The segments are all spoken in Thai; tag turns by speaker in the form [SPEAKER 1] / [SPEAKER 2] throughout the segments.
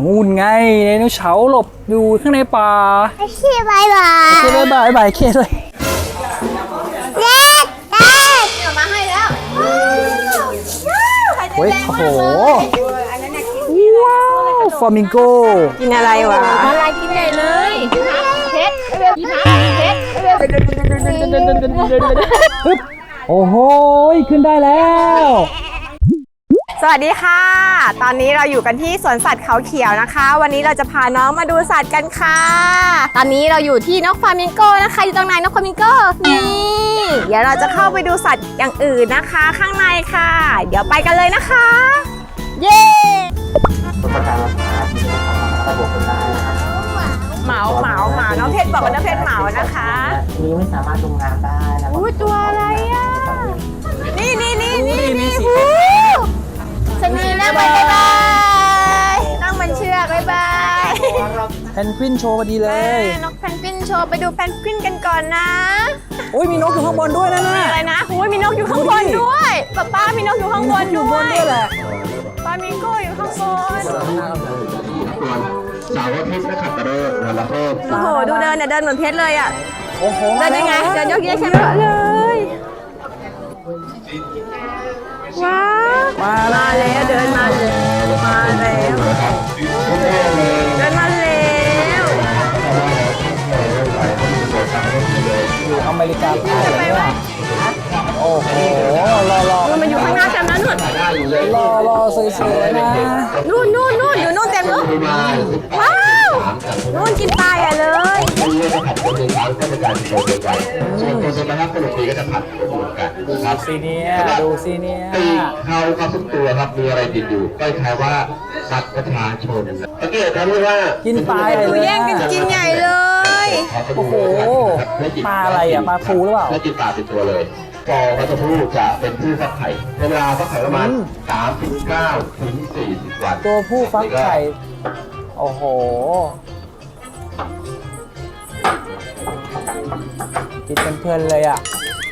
[SPEAKER 1] นู่นไงไดโนเสาร์หลบอยู่ข้างในป่า
[SPEAKER 2] โอเคบายบาย
[SPEAKER 1] โอเคบายบายเคเลย
[SPEAKER 2] เด็กเด็ก
[SPEAKER 3] เอามาให้แล้ว
[SPEAKER 1] เฮ้ยโอ้โหว้าวฟลามิงโก
[SPEAKER 4] กินอะไรวะ
[SPEAKER 3] อะไรกินใหญ่เลยเพชรพี่พักเพชร
[SPEAKER 1] ปึ๊บโอ้โหขึ้นได้แล้ว
[SPEAKER 4] สวัสดีค่ะ ตอนนี้เราอยู่กันที่สวนสัตว์เขาเขียวนะคะ วันนี้เราจะพาน้องมาดูสัตว์กันค่ะ ตอนนี้เราอยู่ที่นกฟลามิงโกนะคะ อยู่ตรงไหนนกฟลามิงโกนี่เดี๋ยวเราจะเข้าไปดูสัตว์อย่างอื่นนะคะ ข้างในค่ะ เดี๋ยวไปกันเลยนะคะ เย้เหมาน้องเพชรบอกว่าน้องเพชรเหมานะคะ
[SPEAKER 5] นี้ไม่สามารถลงน้ำได้นะ
[SPEAKER 4] อุ้ยตัวอะไรอ่ะนี่ชนีนั่งไปบ๊ายบายนั่งบนเชือกบ๊ายบาย
[SPEAKER 1] แพนกวินโชว์พอดีเลย
[SPEAKER 4] นกแพนกวินโชว์ไปดูแพนกวินกันก่อนนะ
[SPEAKER 1] โอ้ยมีนกอยู่ข้างบนด้วยนะน่ะ
[SPEAKER 4] อะไรนะโอ้ยมีนกอยู่ข้างบนด้วยป้ามีนกอยู่ข้างบน
[SPEAKER 1] อยู่
[SPEAKER 4] ด้
[SPEAKER 1] บ
[SPEAKER 4] วน ย
[SPEAKER 1] ด้วยแหละ
[SPEAKER 4] ฟลามิงโกอยู่ข้างบน
[SPEAKER 6] สาวเพชรนะครับกระโดดวันละเพิ่ม
[SPEAKER 4] โอ้โหดูเดินเนี่ยเดินเหมือนเพชรเลยอ่ะ
[SPEAKER 1] โอ้โห
[SPEAKER 4] เดินยังไงเดินยกเยอะใช่ไหมเลยว้าวมาแล้วเดินมาแล้วเดินมาแล้ว
[SPEAKER 1] อยู่อเมริกาใต้เลยว่ะโอ้โหรอ
[SPEAKER 4] มันอยู่ข้างหน้าเต็มแล้วนู่น
[SPEAKER 1] สวยๆนะ
[SPEAKER 4] นู่นอยู่นู่นเต็มเลยว้าวนู่นกินปลาใหญ่เลย
[SPEAKER 6] ส่วนตัวสมนะครับขนมปีก็จะผัดเหมือนกันครับ
[SPEAKER 1] ซีเนียดูซีเนีย
[SPEAKER 6] ปีกเขาครับทุกตัวครับมีอะไรติดอยู่ก็คล้ายว่าสัตว์ประชาชนสังเกตครับว่า
[SPEAKER 1] กินปลาใหญ่
[SPEAKER 4] ดู
[SPEAKER 1] เลย
[SPEAKER 4] แย่งกันกินใหญ่เลย
[SPEAKER 1] โอ้โหปลาอะไรอ่ะปลาทูหรือเปล่า
[SPEAKER 6] ไม่กินปลาเป็นตัวเลยฟอวัชพืชจะเป็นผู้ฟักไข่เวลาฟักไข่ประมาณ39 ถึง 40 วัน
[SPEAKER 1] ตัวผู้ฟักไข่โอ้โหกินเป็นเพื่อนเลยอ่ะ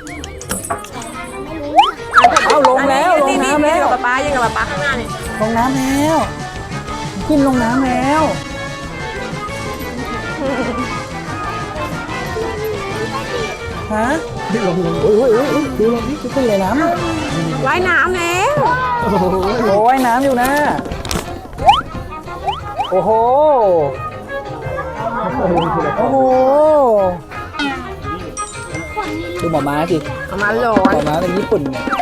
[SPEAKER 1] เอาลงแล้วลงน้ำแล้ว
[SPEAKER 4] ป้ายังกับป้าข้างหน้าเนี่ย
[SPEAKER 1] ลงน้ำแล้วขึ้นลงน้ำแล้วฮะลงโอ้ยดูลงนี่ขึ้นเลยน้ำอ่ะ
[SPEAKER 4] ว่ายน้ำแล้ว
[SPEAKER 1] โอ้ยน้ำอยู่นะโอ้โหโอ้โหดูหมอม้าสิ
[SPEAKER 4] ประมาณโหล
[SPEAKER 1] หมอม้าเป็นญี่ปุ่นเนี่ย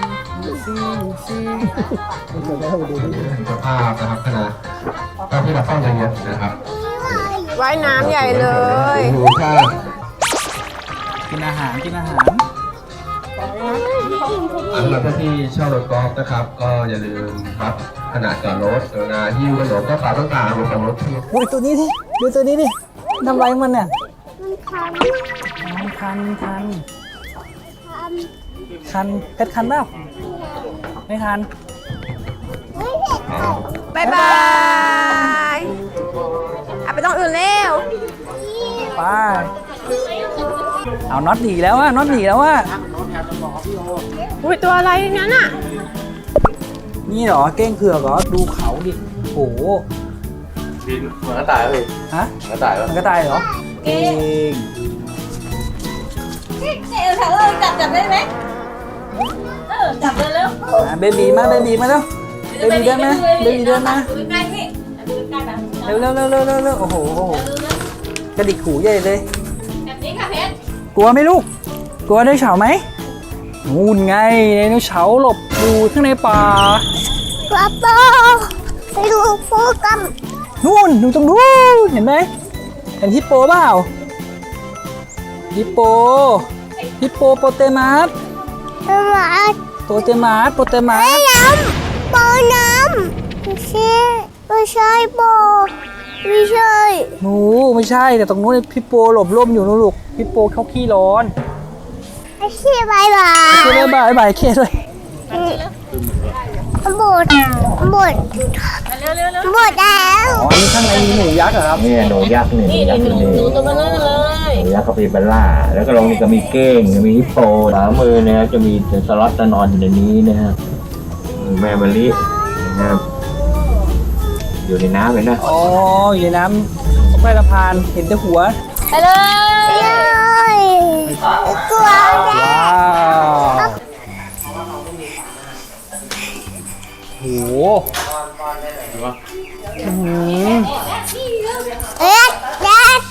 [SPEAKER 6] สภาพนะครับขนาดก็ที่เราต้องเยอะๆนะครับ
[SPEAKER 4] ว่ายน้ำใหญ่เลย
[SPEAKER 6] ดูถ้า
[SPEAKER 1] กินอาหาร
[SPEAKER 6] สำหรับท่านที่เช่ารถกอล์ฟนะครับ ก็อย่าลืมครับขนาดจอดรถเวลาหิ้วขนมก็ฝากต้องการบนรถที่
[SPEAKER 1] โอ้ยตัวนี้ดิดูตัวนี้ดิทำไรมันเนี่ย
[SPEAKER 2] มันคัน
[SPEAKER 1] คัน
[SPEAKER 2] คัน
[SPEAKER 1] เพชรคันเปล่าไม่คัน
[SPEAKER 4] บ๊ายบายเอาไปต้องอื่นเร็ว
[SPEAKER 1] ไปเอาน็อตหนีแล้วว่ะน็อตหนีแล้วว่ะ
[SPEAKER 4] อุ้ยตัวอะไรนั้นอ่ะ
[SPEAKER 1] นี่เหรอเก้งเผือกเหรอดูเขาดิโอ้โห
[SPEAKER 6] บินเหมือนกระต่ายเลย
[SPEAKER 1] ฮะ
[SPEAKER 6] กระต่ายแล้ว
[SPEAKER 1] มันก็ตายเหรอเก้ง
[SPEAKER 3] จับได้ไหมจับเลยเร็ว
[SPEAKER 1] เบบีมาแล้วเบบีเดินมาเบบีเดินมา
[SPEAKER 3] ดูใกล้พี่ดูใกล้แบบ
[SPEAKER 1] เร็วโอ้โหกระดิกหูใหญ่เลย
[SPEAKER 3] แบบนี้ค่ะเพชร
[SPEAKER 1] กลัวไหมลูกกลัวไดโนเสาร์ไหมนู่นไงไดโนเสาร์หลบอยู่ข้างในป่าก
[SPEAKER 2] ระโปงไปดูโฟกัม
[SPEAKER 1] นู่นดูตรงนู้นเห็นไหมเห็นฮิปโปเปล่าฮิปโปโปเตมัส
[SPEAKER 2] หมา
[SPEAKER 1] โปเตมัส
[SPEAKER 2] น้ำโปน้ำไม่ใช่โปไม่ใช่
[SPEAKER 1] หนูไม่ใช่แต่ตรงนู้นฮิปโปหลบร่มอยู่นู่นลูกฮิปโปเขาขี้ร้อน
[SPEAKER 2] โอเคบายบาย
[SPEAKER 1] เคเลยบายเคเลย
[SPEAKER 2] หมดแล้ว
[SPEAKER 1] อ๋ออันนี้ข้างในมีหนูยักษ์เหรอครับ
[SPEAKER 5] เนี่ยหนูยักษ์เนี่ยหนูยักษ์เนี่ย
[SPEAKER 3] หนูตัวมันนั่นเลย
[SPEAKER 5] หนูยักษ์คาปิบาร่าแล้วก็ลงนี่ก็มีเก้งมีฮิปโปขวามือเนี่ยจะมีสล็อตนอนอยู่ในนี้นะฮะแม่มะลินะครับอยู่ในน้ำเลยนะ
[SPEAKER 1] อ๋ออยู่ในน้ำตรงใต้สะพานเห็นแต่หัว
[SPEAKER 3] ไปเลย
[SPEAKER 2] เลยกลัวแล้
[SPEAKER 1] ว้าวโอ้โหอื้อหือ
[SPEAKER 2] เอ็ดเด็ด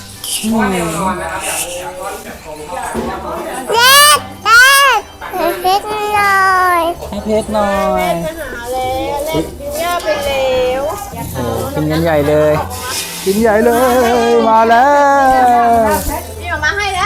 [SPEAKER 2] เด็ดเด็ดหน่อย
[SPEAKER 1] ให้เพชรหน่อย
[SPEAKER 4] กินหญ้าไปแล้ว
[SPEAKER 1] โอ้กินกันใหญ่เลย กินใหญ่เลย มาแล้ว
[SPEAKER 4] นี่ออกมาให้แล้ว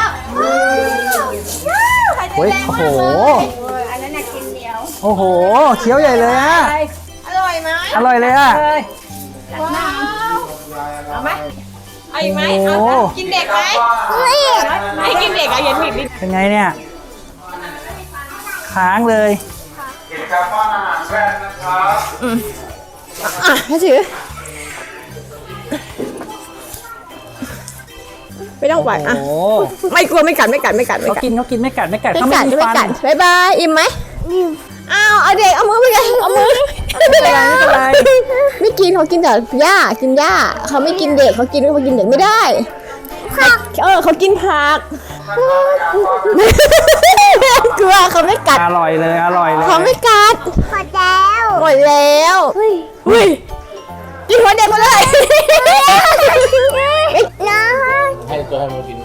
[SPEAKER 1] เฮ้ยโอ้โห
[SPEAKER 4] อันนั้นน่ะกินเหนียว
[SPEAKER 1] โอ้โห เคี้ยวใหญ่เลยอะ
[SPEAKER 4] อร่อยไหม
[SPEAKER 1] อร่อยเลยอะ
[SPEAKER 4] ว้าวเอาไหมเอาอีกไหม
[SPEAKER 1] โอ้
[SPEAKER 4] เอา
[SPEAKER 1] โห
[SPEAKER 4] กินเด็กไหมไม่กินเด็กอะเย็นผิดนิด
[SPEAKER 1] เป็นไงเนี่ย ค้างเลย
[SPEAKER 4] อ่ะให้ถือไม่ต้องไหวอ่ะ
[SPEAKER 1] โอ้โห
[SPEAKER 4] ไม่กลัวไม่กัดไม่กัดไม่กัดไม่
[SPEAKER 1] เขา
[SPEAKER 4] กัด
[SPEAKER 1] กินเขากินไม่กัดไม่กัด
[SPEAKER 4] ไม่
[SPEAKER 1] เขา
[SPEAKER 4] กั
[SPEAKER 1] ไม่
[SPEAKER 4] ด
[SPEAKER 1] มี
[SPEAKER 4] ไม่
[SPEAKER 1] ฟัน
[SPEAKER 4] กัดบ๊ายบายอิ่มไหมอ้าวเอาเด็กเอามือไปเลยเอามือ
[SPEAKER 1] ไม่เป็นไรไม่เป็นไร
[SPEAKER 4] ไม่กินเขากินแต่หญ้ากินหญ้าเขาไม่กินเด็กเขากินเด็กไม่ได้เขากินผักกลัวเขาไม่กัด
[SPEAKER 1] อร่อยเลยอร่อยเลย
[SPEAKER 4] เขาไม่กัด
[SPEAKER 2] พอแล้ว
[SPEAKER 4] หมดแล้วอุ้ยกินหัวเด็กหมาเลย
[SPEAKER 2] นะ
[SPEAKER 5] ให้ตัวให้มันกิน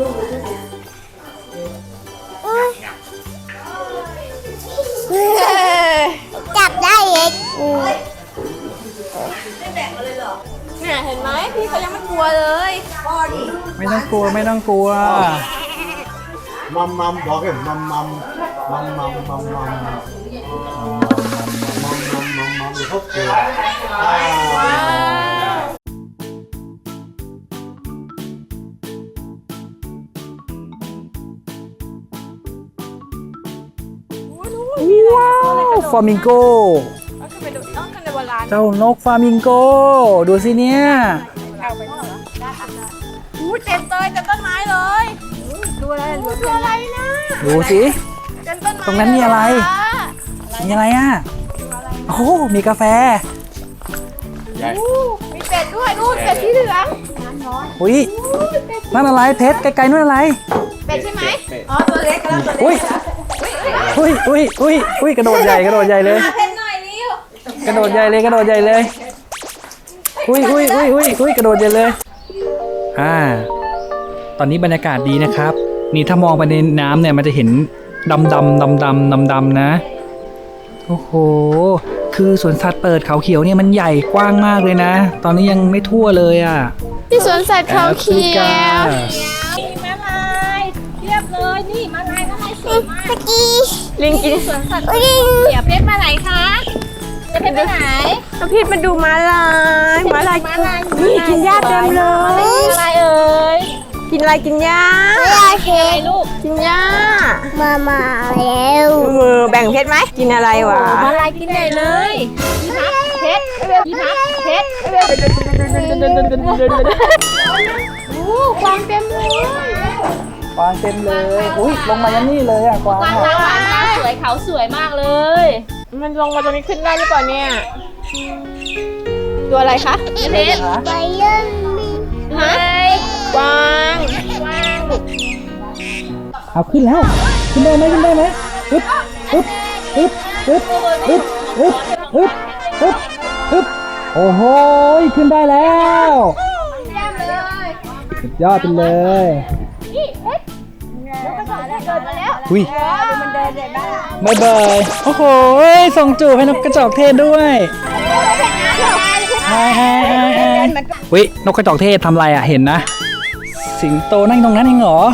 [SPEAKER 2] จับได้เอง
[SPEAKER 4] เนี่ยเห็นไหมพี่เขายังไม่กลัวเลย
[SPEAKER 1] ไม่ต้องกลัวไม่ต้องกลัว
[SPEAKER 7] มัมมัมบอกเลยมัมมัมมัมมัมมัมมัมมัมมัมมัมเดี๋ยวเขาเกิด
[SPEAKER 1] ว้าวฟลามิงโก
[SPEAKER 4] ต้องกันในโบราณ
[SPEAKER 1] เจ้านกฟลามิงโก ดูสิเนี่ย
[SPEAKER 4] อู้เต็มเลยเต็มต้นไม้เลยดูอะไรดูอะไรนะ
[SPEAKER 1] ดูสิ
[SPEAKER 4] เต็มต้นไม้
[SPEAKER 1] ตรงนั้นมีอะไร มีอะไรอ่ะ โอ้โหมีกาแฟ
[SPEAKER 4] มีเป็ดด้วยนู่นเป็ดสีเหลือง
[SPEAKER 1] อุ้ยนั่นอะไรเพชรไกลๆนั่นอะไร
[SPEAKER 4] เป็ดใช่ไหมอ๋อตัวเล็กแล้วตัวเล็ก
[SPEAKER 1] อุ้ยอุ้ยกระโดดใหญ่กระโดดใหญ่เลย
[SPEAKER 4] เพชรหน่อยนิ้ว
[SPEAKER 1] กระโดดใหญ่เลยกระโดดใหญ่เลยอุ้ยกระโดดใหญ่เลยตอนนี้บรรยากาศดีนะครับ นี่ถ้ามองไปในน้ำเนี่ยมันจะเห็นดำนะโอ้โหคือสวนสัตว์เปิดเขาเขียวเนี่ยมันใหญ่กว้างมากเลยนะ ตอนนี้ยังไม่ทั่วเลยอ่ะ
[SPEAKER 4] ที่สวนสัตว์เขาเขียว
[SPEAKER 3] มีม้าลายเรียบเลยนี่ม้าลายสวยมาก
[SPEAKER 2] เมื่อกี้
[SPEAKER 4] ลิงกิน
[SPEAKER 3] สวนสัตว์
[SPEAKER 2] ลิง
[SPEAKER 3] เสียเพชรมาไหนคะเสียเพชรไปไหน
[SPEAKER 4] น้องพีทมาดูม้าลายนี่กินหญ้าเต็มเลย
[SPEAKER 3] อะไรเอ่ย
[SPEAKER 4] กินอะไรกินหญ้า
[SPEAKER 2] ไม่ได้เพ
[SPEAKER 3] อะไร
[SPEAKER 2] ชร
[SPEAKER 3] ลูก
[SPEAKER 4] กินหญ้า
[SPEAKER 2] มาแล้ว
[SPEAKER 4] มือแบ่งเพชรไหมกินอะไรวะ
[SPEAKER 3] ม้าลายกินใหญ่เลยพี่พักเพชรพี่พักเพชรโอ้กวางเต็มเลย
[SPEAKER 1] กวางเต็มเลย อุ้ยลงมายันนี่เลยอ่ะกวาง
[SPEAKER 3] กวาง
[SPEAKER 1] อะ
[SPEAKER 3] ตาหวานตาสวยเขาสวยมากเลย
[SPEAKER 4] มันลงมาตรงนี้ขึ้นได้หรือเปล่าเนี่ยตัวอะไรคะ
[SPEAKER 3] พี่เพชร
[SPEAKER 2] ไปเล่นมี
[SPEAKER 3] เฮ้ย
[SPEAKER 4] กวาง
[SPEAKER 1] เอาขึ้นแล้ว ขึ้นได้ไหมอึ๊บโอ้โหขึ้นได้แล้วสุดยอดไปเลยอุ้ยบายบายโอ้โหส่งจูบให้นกกระจอกเทศด้วยอุ้ยนกกระจอกเทศทำอะไรอ่ะเห็นนะ สิงโตนั่งตรงนั้นเองเหรอ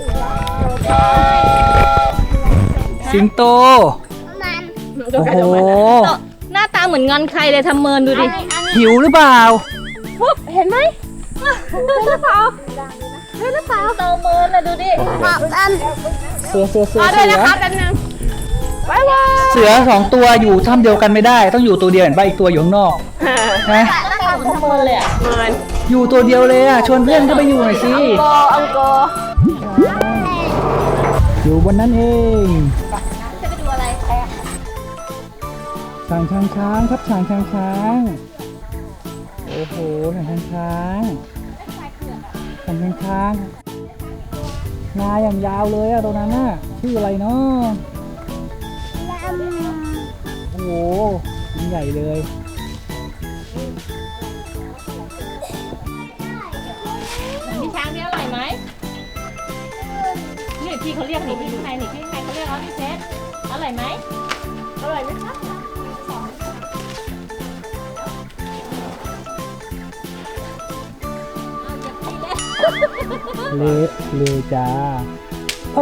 [SPEAKER 1] สิงโต โอ้โห
[SPEAKER 3] หน้าตาเหมือนงอนใครเลยทำเมินดูดิ
[SPEAKER 1] หิวหรือเปล่า
[SPEAKER 3] เห็นไหมหรือเปล่าโตเมินเลยดูดิ
[SPEAKER 2] บอกกัน
[SPEAKER 1] เสือ
[SPEAKER 4] รอด้วยนะคะแป๊บนึงบ๊ายบาย
[SPEAKER 1] เสือสองตัวอยู่ถ้ำเดียวกันไม่ได้ ต้องอยู่ตัวเดียวเห็นป่ะอีกตัวอยู่ข้างนอกนะ
[SPEAKER 3] หน้าตาเหมือนทำเมินเลยอ่ะ
[SPEAKER 4] เหมือน
[SPEAKER 1] อยู่ตัวเดียวเลยอ่ะชวนเพื่อนเข้าไปอยู่หน่อยสิ
[SPEAKER 4] อังโก
[SPEAKER 1] อยู่บนนั้นเอง
[SPEAKER 3] จะไปดูอะไร
[SPEAKER 1] ช้างครับช้างโอ้โหสันช้างสันช้างงาอย่างยาวเลยอะตรงนั้นน่ะชื่ออะไรเนาะโอ้โหมันใหญ่เลย
[SPEAKER 3] มีช้างนี่อร่อยไหมนี่พี่เขาเรียกนี่พี่ข้างในนี่พี่ข้างในเขาเรียกว่าพี่เซตอร่อยไหมอร่อยไหมคะ
[SPEAKER 1] เลยจ้าโอ้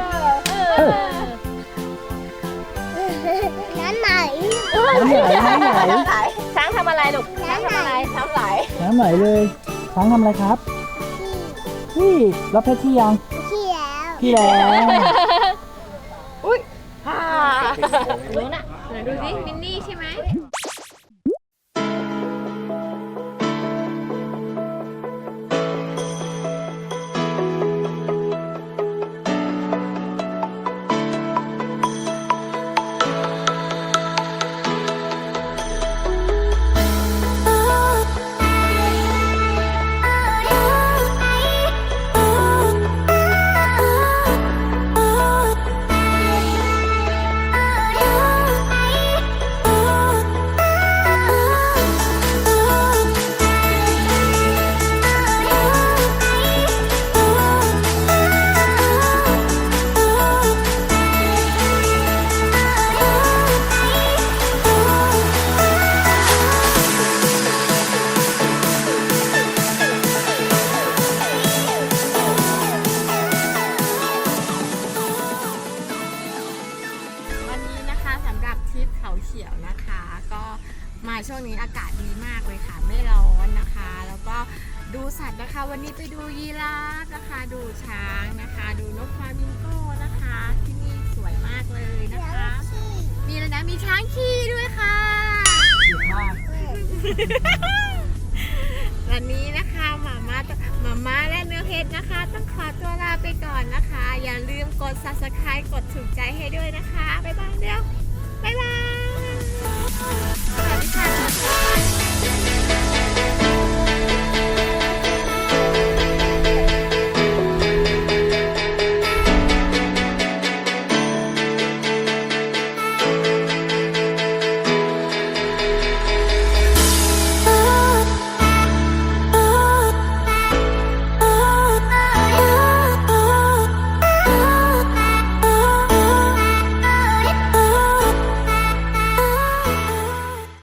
[SPEAKER 2] น้ำไหน
[SPEAKER 1] น้ำไหลน้ำไหล
[SPEAKER 3] ช้างทำอะไรลูกช้างทำอะไรช้างไหล
[SPEAKER 1] น้ำไหลเลยช้างทำอะไรครับพี่รับเพชรที่ยัง
[SPEAKER 2] ที่แล้ว
[SPEAKER 1] ที่แล้ว
[SPEAKER 3] รู้น่ะ
[SPEAKER 4] ดูสิมินนี่ใช่ไหม วันนี้นะคะสำหรับทริปเขาเขียวนะคะ ก็มาช่วงนี้อากาศดีมากเลยค่ะ ไม่ร้อนนะคะ แล้วก็ดูสัตว์นะคะ วันนี้ไปดูยีราฟนะคะ ดูช้างนะคะ ดูนกฟลามิงโก้นะคะ ที่นี่สวยมากเลยนะคะ มีอะไรนะมีช้างขี่ด้วยค่ะ วันนี้นะคะหมาม่าและเนื้อเพชรนะคะ ต้องขอตัวลาไปก่อนนะคะ อย่าลืมกด subscribe กดถูกใจให้ด้วยนะคะ บ๊ายบายเดี๋ยว